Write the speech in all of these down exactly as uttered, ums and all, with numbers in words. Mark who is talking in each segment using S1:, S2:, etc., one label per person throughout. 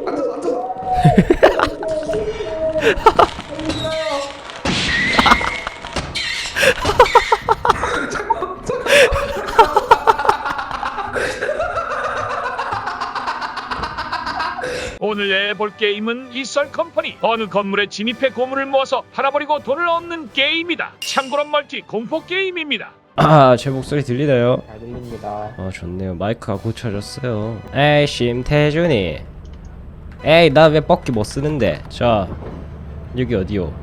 S1: 앉아서 앉아서.
S2: 오늘 해볼 게임은 이썰컴퍼니. 어느 건물에 진입해 고물을 모아서 팔아버리고 돈을 얻는 게임이다. 참고로 멀티 공포 게임입니다.
S3: 아, 제 목소리 들리나요?
S1: 잘 들립니다.
S3: 어, 좋네요. 마이크가 고쳐졌어요. 에이, 심태준이. 에이, 나 왜 뻑기 못 쓰는데? 자, 여기 어디요?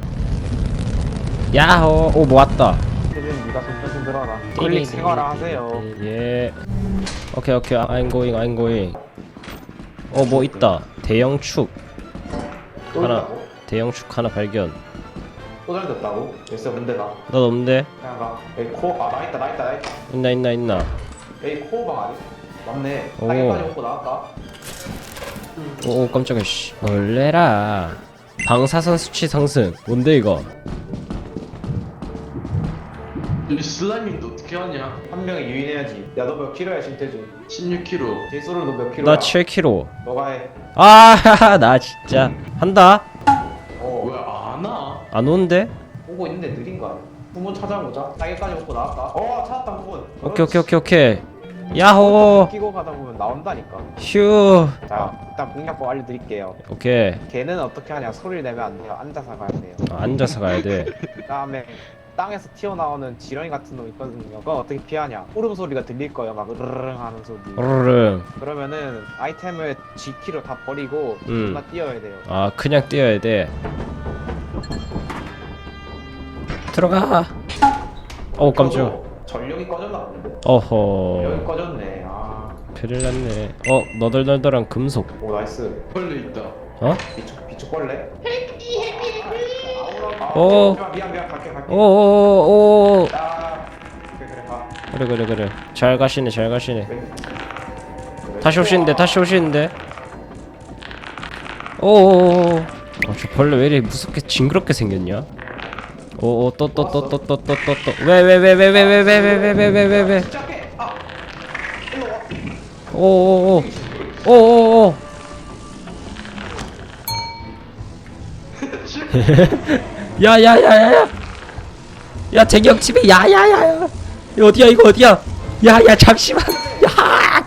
S3: 야호, 오, 모았다.
S1: 태준 네가 손좀 들어라. 클릭 생활화 하세요.
S3: 예. 오케이, 오케이. I'm going, I'm going. 어, 뭐 있다. 대형 축
S1: 또
S3: 하나.
S1: 있다고?
S3: 대형 축 하나 발견.
S1: 또 잘됐다고? 됐어 근데 나
S3: 너 없는데?
S1: 그냥 가. 여기 코어 아나 있다 나 있다 나 있다.
S3: 있나, 있나, 있나.
S1: 여기 코어방 아니? 맞네.
S3: 오.
S1: 땅에까지 먹고 나왔다.
S3: 오, 오 깜짝이야. 씨. 놀래라. 방사선 수치 상승. 뭔데 이거?
S4: 이 슬라임인데 어떻게 하냐?
S1: 한 명이 유인해야지. 야 너 몇 킬로야 신태준?
S4: 십육 킬로그램.
S1: 제소를 너 몇 킬로야?
S3: 나 칠 킬로그램.
S1: 너가 해.
S3: 아, 나 진짜 한다.
S1: 어.
S4: 왜 안 와?
S3: 안 오는데?
S1: 오고 있는데 느린 거 아니야? 후문 찾아보자. 땅에까지 먹고 나왔다. 어 찾았다 후문.
S3: 오케이, 오케이, 오케이, 오케이. 야호.
S1: 끼고 가다 보면 나온다니까.
S3: 휴.
S1: 자 일단 공략법 알려드릴게요.
S3: 오케이.
S1: 걔는 어떻게 하냐? 소리를 내면 안 돼요. 앉아서 가야 돼요.
S3: 아, 앉아서 가야 돼.
S1: 그다음에 땅에서 튀어나오는 지렁이 같은 놈 있거든요. 그거 어떻게 피하냐? 울음 소리가 들릴 거예요. 막 으르릉 하는 소리.
S3: 으르릉.
S1: 그러면은 아이템을 G키로 다 버리고
S3: 음.
S1: 존나 뛰어야 돼요.
S3: 아, 그냥 뛰어야 돼. 들어가. 어, 깜짝.
S1: 켜줘. 전력이 꺼졌나 본데. 여기
S3: 어허.
S1: 꺼졌네. 아.
S3: 큰일 났네. 어, 너덜너덜한 금속.
S1: 오 나이스.
S4: 벌레 있다.
S3: 어?
S1: 비축 비축벌레.
S3: 오.
S1: 아, 미안 미안 갈게 갈게.
S3: 오오오오.
S1: 아. 그래 그래 가.
S3: 그래, 그래, 그래. 잘 가시네, 잘 가시네.
S1: 그래.
S3: 다시 오시는데, 다시 오시는데. 오오오. 어, 저 벌레 왜 이렇게 무섭게 징그럽게 생겼냐? 오오, 또 또 또 또 또 또 또 또. 왜 왜 왜 왜 왜 왜 왜 왜 왜 왜 왜 왜 왜.
S1: 시작해. 아. 일로 와.
S3: 오오오. 오오오. 야야야야야. 야, 쟁영집에 야야야야. 이거 어디야, 이거 어디야? 야야, 잠시만. 야.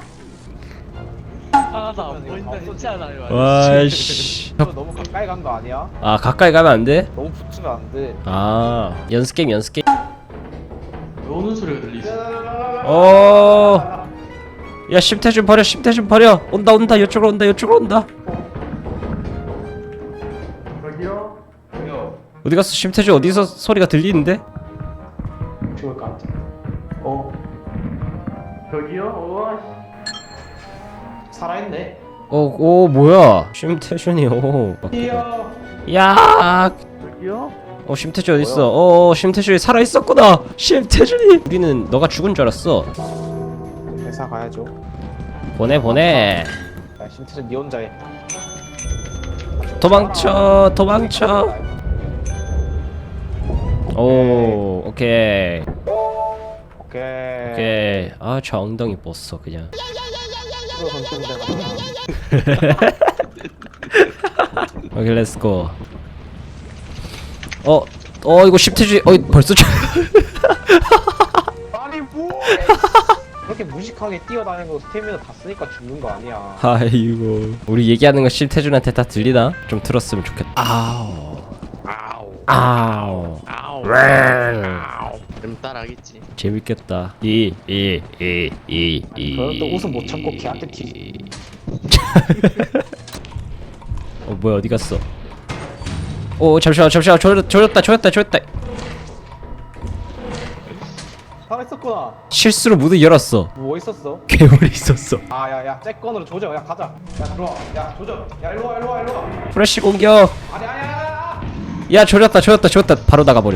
S5: 아, 나 안 보인다 했잖아요.
S3: 와씨.
S1: 너 너무 가까이 간 거 아니야?
S3: 아, 가까이 가면 안 돼?
S1: 너무 붙으면 안 돼.
S3: 아, 연습 게임, 연습 게임.
S4: 왜 오는 소리가 들리지?
S3: 어. 야, 심태준 버려, 심태준 버려. 온다, 온다, 이쪽으로 온다, 이쪽으로 온다.
S1: 여기요? 여기요.
S3: 어디 갔어, 심태준? 어디서 소리가 들리는데?
S1: 죽을 것 같아. 어. 저기요? 어. 살아있네.
S3: 어, 오, 뭐야? 심태준이, 오.
S1: 이야.
S3: 야.
S1: 저기요?
S3: 어, 심태준 어디 있어? 어, 심태준이 살아 있었구나. 심태준이. 우리는 너가 죽은 줄 알았어.
S1: 회사 가야죠.
S3: 보내, 보내.
S1: 야, 심태준 니 혼자 해.
S3: 도망쳐, 도망쳐. 오, 오케이,
S1: 오케이.
S3: 오케이. 아, 저 엉덩이 뻗어 그냥.
S1: 이거 던지면 되나?
S3: 오케이, 렛츠고. 어, 어, 이거 심태준, 어, 벌써 저.
S1: 아니 뭐? 그렇게 무식하게 뛰어다니는 거 스태미나 다 쓰니까 죽는 거 아니야.
S3: 아이고. 우리 얘기하는 거 심태준한테 다 들리나? 좀 들었으면 좋겠다. 아우.
S5: 아우
S3: 아우.
S5: 아우
S3: 아우.
S5: 좀 따라하겠지.
S3: 재밌겠다. 이, 이, 이, 이, 이.
S1: 그럼 또 웃음 못 참고 걔한테 튀지.
S3: 어, 뭐야, 어디 갔어? 오, 잠시만, 잠시만, 조졌, 조졌다, 조졌다, 조졌다.
S1: 살아있었구나.
S3: 실수로 문을 열었어.
S1: 뭐 있었어?
S3: 괴물이 있었어.
S1: 아 야야 잭건으로 조져. 야 가자. 야 들어와. 야 조져. 야 일로와 일로와 일로와.
S3: 프레쉬 공격.
S1: 아니 아니 아니 아니.
S3: 야, 조졌다, 조졌다, 조졌다. 바로 나가버려.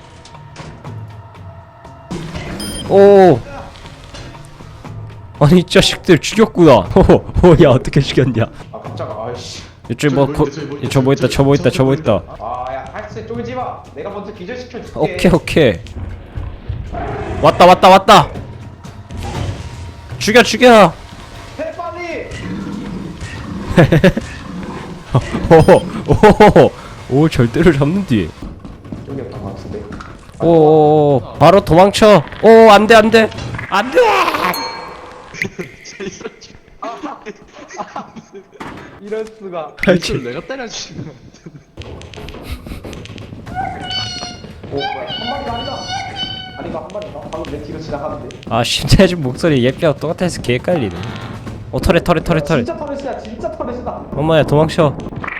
S3: 오. 아니, 이 자식들 죽였구나. 호호, 야, 어떻게 죽였냐?
S1: 아 깜짝아. 아이씨.
S3: 이쪽 뭐, 거, 저 뭐 있다, 저 뭐 있다, 저 뭐 있다.
S1: 아야 할수 쫄지 마. 내가 먼저 기절시켜 줄게.
S3: 오케이, 오케이. 왔다, 왔다, 왔다. 죽여, 죽여.
S1: 해 빨리.
S3: 오호호호 오 절대로 잡는 뒤.
S1: 여기였던 것 같은데.
S3: 오 바로 도망쳐. 오 안돼 안돼 안돼.
S1: 이럴 수가.
S4: 이걸 내가 때려주면
S1: 오 뭐야 한 마리가 아니다. 아닌가 한 마리가? 방금 내 뒤로 지나가는데.
S3: 아 심태준 목소리 예삐하고 똑같아서 개 헷갈리네. 어 털에 털에 털에 털에.
S1: 진짜 터렛이야 진짜 터렛이다.
S3: 엄마야 도망쳐.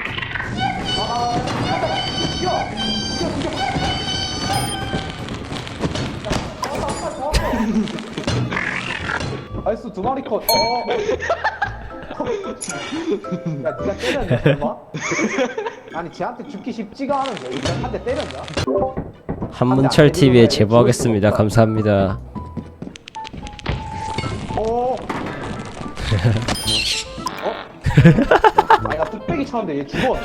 S1: 나이스 두 마리 컷. 어어. 야 니가 때렸냐 설마? 아니 쟤한테 죽기 쉽지가 않은데 일단 한 대 때렸냐?
S3: 한문철 티비에 제보하겠습니다. 감사합니다.
S1: 오. 어? 아니 나 뚝배기 쳤는데 얘 죽어.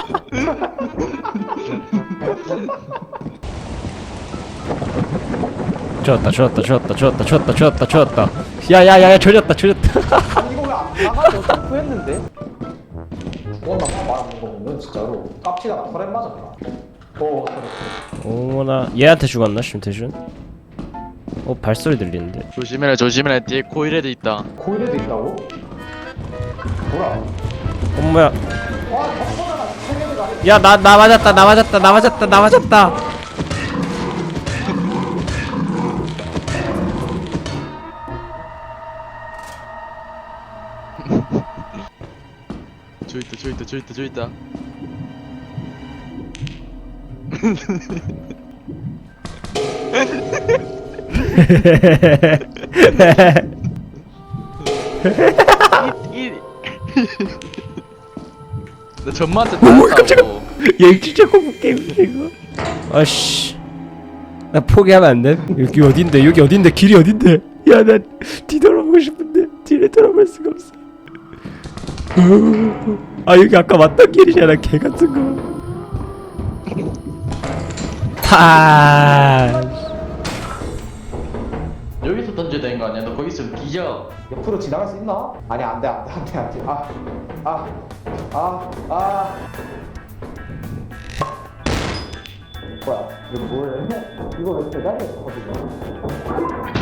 S3: 좋았다 좋았다 좋았다 좋았다 좋았다 좋았다 좋았다. 야야야야 조졌다 조졌다.
S1: 아니 이거 왜안 나가서 점프했는데? 죽었나 봐 말하는 거 보면 진짜로 깝치다가 털에 맞았다. 오 그래.
S3: 어머나 얘한테 죽었나 심태준? 어 발소리 들리는데.
S5: 조심해라 조심해라 뒤에 코일에도 있다.
S1: 고일에도 있다고? 뭐라?
S3: 엄마야.
S1: 와 덕분에 세계가 아니야.
S3: 야 나 나 맞았다 나 맞았다 나 맞았다 나 맞았다.
S5: 저 있다 저 있다 저 있다 저 있다. 이, 이. 나 전마한테 따였다고.
S3: 얘 진짜 공포 게임이야 이거. 아씨 나 포기하면 안 돼? 여기 어딘데 여기 어딘데 길이 어딘데? 야 나 뒤돌아보고 싶은데 뒤를 돌아볼 수가 없어. 아 여기 아까 왔던 길이잖아 개 같은 거. 파.
S4: 여기서 던져야 되는 거 아니야? 너 거기 있으면 뒤져.
S1: 옆으로 지나갈 수 있나? 아니 안돼 안돼 안돼 안돼. 아아아 아, 아. 뭐야 이거 뭐해? 이거 왜 대단해 거든요?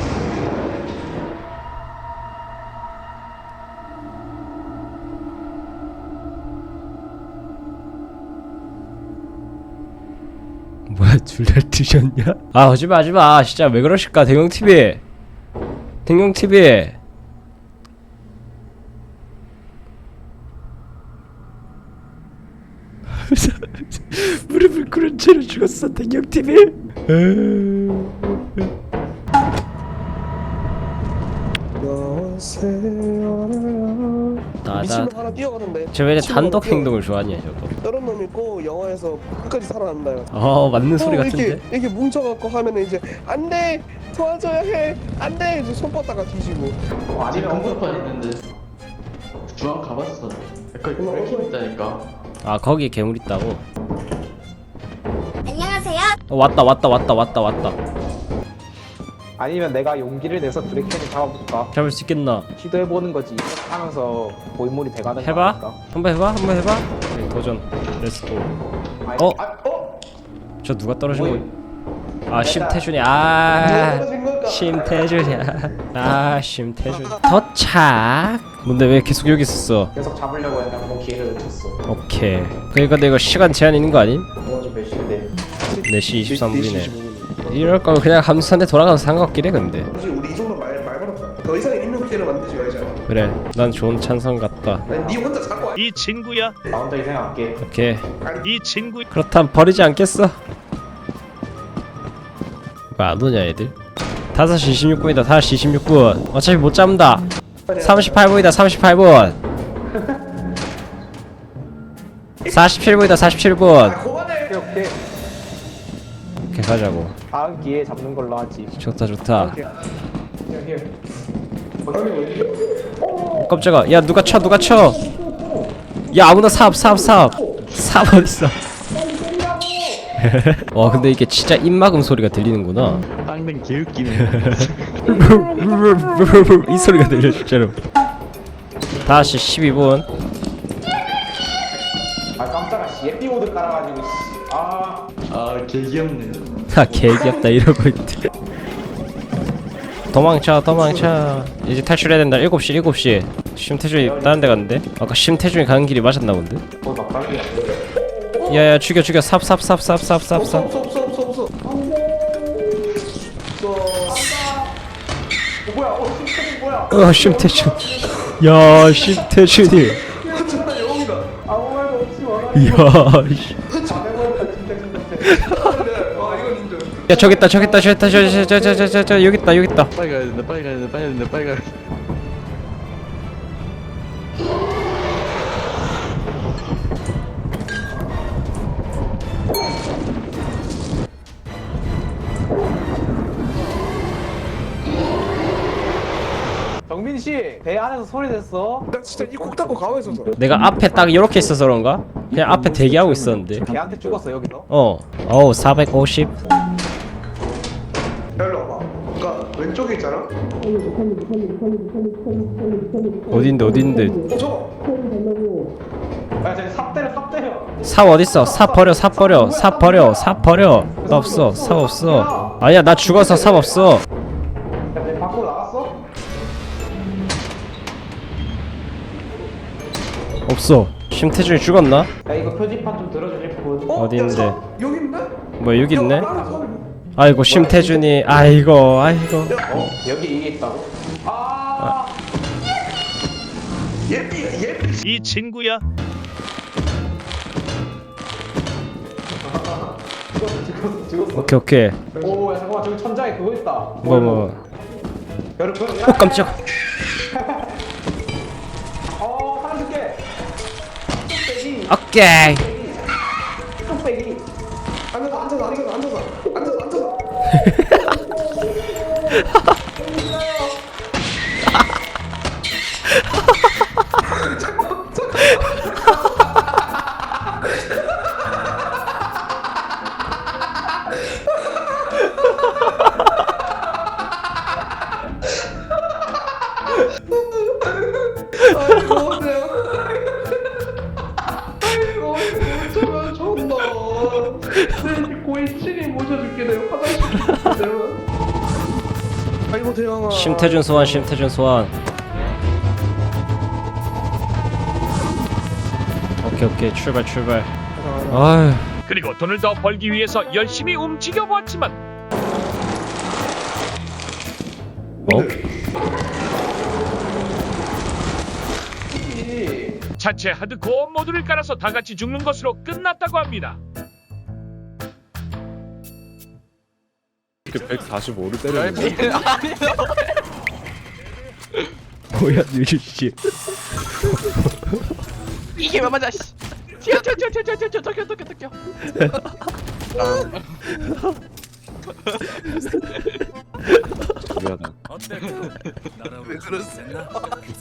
S3: 뭐야 둘 다 드셨냐? 아 하지마 하지마 진짜 왜 그러실까 댕용티비 댕용티비. 무릎을 꿇은 채로 죽었어 댕용티비.
S6: 미신을
S3: 나나
S6: 하나 뛰어가는데
S3: 저 왜
S6: 미신을 하나
S3: 단독
S6: 뛰어가.
S3: 행동을 좋아하냐 저거.
S6: 다른 놈 있고 영화에서 끝까지 살아난다 이거.
S3: 어 맞는 소리
S6: 어,
S3: 같은데.
S6: 이렇게 이렇게 뭉쳐갖고 하면은 이제 안돼 도와줘야 해 안돼 이제 손 뻗다가 뒤지고.
S1: 어,
S4: 아직
S1: 아니면
S4: 공급판 있는데 주황 가봤어. 약간 이렇게 있다니까.
S3: 아 거기 괴물 있다고.
S7: 안녕하세요.
S3: 어, 왔다 왔다 왔다 왔다 왔다.
S1: 아니면 내가 용기를 내서 브레이크를 잡아볼까?
S3: 잡을 수 있겠나?
S1: 시도해보는 거지. 하면서 고인물이 돼가는 거
S3: 해봐.
S1: 아닐까?
S3: 한번 해봐 한번 해봐. 네, 도전. 렛츠고.
S1: 아니,
S3: 어?
S1: 아, 어?
S3: 저 누가 떨어진
S1: 뭐야?
S3: 거야? 아 심태준이 아
S6: 떨어진 걸까?
S3: 심태준이야. 아 심태준 도착. 뭔데 왜 계속 여기 있었어?
S1: 계속 잡으려고 했는데 한번 기회를 놓쳤어.
S3: 오케이. 그러니까 내가 시간 제한 있는 거 아님?
S1: 이거 좀몇 시인데?
S3: 네 시 이십삼 분이네.
S6: 네 시 이십오 분.
S3: 이럴 거면 그냥 함수한테 돌아가서 상관없긴 해 근데.
S6: 사실 우리 이 정도 말, 말 걸었다. 더 이상 인명 피해를 만들지 말자.
S3: 그래 난 좋은 찬성 같다.
S6: 아니 네 혼자 자꾸 와.
S2: 이 친구야
S1: 나 혼자 희생할게.
S3: 오케이.
S2: 이 친구
S3: 그렇다면 버리지 않겠어? 왜 안 오냐 애들? 다섯 시 이십육 분이다. 다섯 시 이십육 분. 어차피 못 잡는다. 삼십팔 분이다. 삼십팔 분. 사십칠 분이다. 사십칠 분.
S6: 아 그만해.
S1: 오케이 오케이.
S3: 이렇게 가자고.
S1: 다음 기회에 잡는 걸로 하지.
S3: 좋다 좋다.
S1: Here, here.
S3: 어, 깜짝아. 야 누가 쳐 누가 쳐. 야 아무나 삽 삽 삽. 삽 어딨어. 와 근데 이게 진짜 입막음 소리가 들리는구나.
S5: 땅댕 개웃기네.
S3: 이 소리가 들려 진짜로. 다시 십이 분.
S1: 아 깜짝아 씨 예삐 모드 깔아가지고 씨. 아
S4: 아 개귀엽네.
S3: 아 개귀엽다 이러고 있대. 도망쳐 도망쳐. 이제 탈출해야 된다. 일곱 시 일곱 시. 심태준이 다른 데 갔는데? 아까 심태준이 가는 길이 맞았나 본데?
S1: 거의 막달리야
S3: 야야 죽여 죽여 삽 삽 삽 삽 삽 삽
S6: 없어
S3: 삽.
S6: 없어 없어 없어 없어.
S1: 어 뭐야 어 심태준 뭐야
S3: 어 심태준. 야 심태준이.
S6: 진짜 영웅이다.
S1: 아무 말도 없이 와라
S3: 이야. 씨.
S1: 잘해버렸다 심태준 선생
S6: 와 이건 인정.
S3: 야 저기 있다 저기 있다 저기 있다 저기 있다 저기 있다 저기 있다 여기 있다 여기 있다.
S4: 빨리 가야 된다. 빨리 가야 된다. 빨리 가야 된다. 빨리 가야 된다.
S1: 정민 씨배 안에서 소리 냈어
S6: 나 진짜 이 콕 닫고 가만히 있었어.
S3: 내가 앞에 딱 이렇게 있어서 그런가? 그냥 앞에 대기하고 있었는데.
S1: 걔한테 죽었어 여기서
S3: 어. 어우 사백오십.
S6: 일로 와봐. 그니까 왼쪽에 있잖아.
S3: 어딘데 어딘데?
S6: 어 저거.
S1: 야 쟤 삽 때려 삽 때려
S3: 삽 어딨어? 삽 버려 삽 버려 삽 버려 삽 버려. 나 없어 삽 없어. 아니야 나 죽어서 삽 없어.
S1: 야내 밖으로 나갔어?
S3: 없어. 심태준이 죽었나?
S1: 야 이거 표지판 좀 들어주실 분
S6: 어?
S3: 어디
S6: 야,
S3: 있는데?
S6: 사- 여기 있네?
S3: 뭐 여기 있네?
S6: 야, 나는 사람이-
S3: 아이고 심태준이 아이고 아이고.
S1: 어? 여기 이게 있다고? 아
S6: 예삐 예삐.
S2: 이 친구야.
S1: 죽었어 죽었어 죽었어
S3: 오케이 오케이.
S1: 오야 잠깐만 저기 천장에 그거 있다
S3: 뭐 뭐.
S1: 여러분
S3: 어 깜짝.
S1: 어 살려줄게 뚝배기
S3: 오케이.
S1: 뚝배기
S6: 앉아서 앉아서 앉아서 앉아서 앉아서 앉아서. 아이고 내가. 아이고 저면 좋나. 내 고인친이 모셔줄게 내가 화장실 내가. 아이고 대왕아.
S3: 심태준 소환 심태준 소환. 오케이 오케이 출발 출발. 아휴.
S2: 그리고 돈을 더 벌기 위해서 열심히 움직여 보았지만
S3: 어?
S2: 자체 하드코어 모드를 깔아서 다 같이 죽는 것으로 끝났다고 합니다.
S7: 백사십오를 때려.
S3: 뭐야 뉴주씨.
S5: 이게 왜 맞아 씨. 튀어 튀어 튀어 튀어 튀어 튀어 튀어 튀어 튀어
S7: 미안하다.
S6: 왜 그랬어?